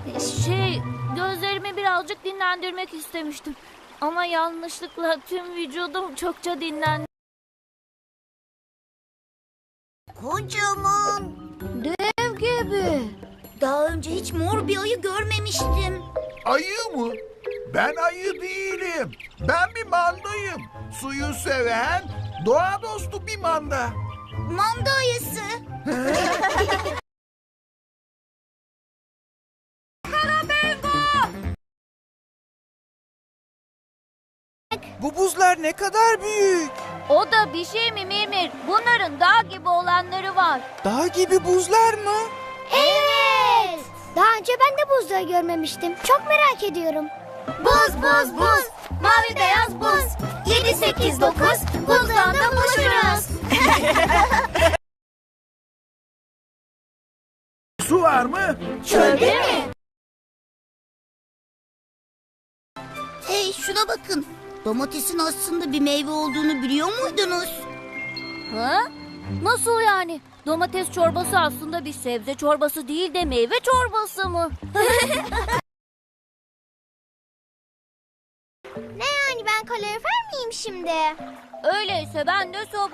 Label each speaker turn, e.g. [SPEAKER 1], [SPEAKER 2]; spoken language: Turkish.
[SPEAKER 1] Gözlerimi birazcık dinlendirmek istemiştim. Ama yanlışlıkla tüm vücudum çokça dinlendi.
[SPEAKER 2] Kocaman.
[SPEAKER 1] Dev gibi.
[SPEAKER 2] Daha önce hiç mor bir ayı görmemiştim.
[SPEAKER 3] Ayı mı? Ben ayı değilim. Ben bir mandayım. Suyu seven, doğa dostu bir manda.
[SPEAKER 2] Manda ayısı.
[SPEAKER 4] Bu buzlar ne kadar büyük.
[SPEAKER 1] O da bir şey mi Mirmir? Bunların dağ gibi olanları var.
[SPEAKER 4] Dağ gibi buzlar mı?
[SPEAKER 5] Evet. Daha önce ben de buzları görmemiştim. Çok merak ediyorum.
[SPEAKER 2] Buz buz buz. Mavi beyaz buz. 7 8 9 buzdan buluşuruz.
[SPEAKER 3] Su var mı?
[SPEAKER 2] Çölde mi? Hey şuna bakın. Domatesin aslında bir meyve olduğunu biliyor muydunuz?
[SPEAKER 1] Ha? Nasıl yani? Domates çorbası aslında bir sebze çorbası değil de meyve çorbası mı?
[SPEAKER 5] Ne yani ben kalorifer miyim şimdi?
[SPEAKER 1] Öyleyse ben de soba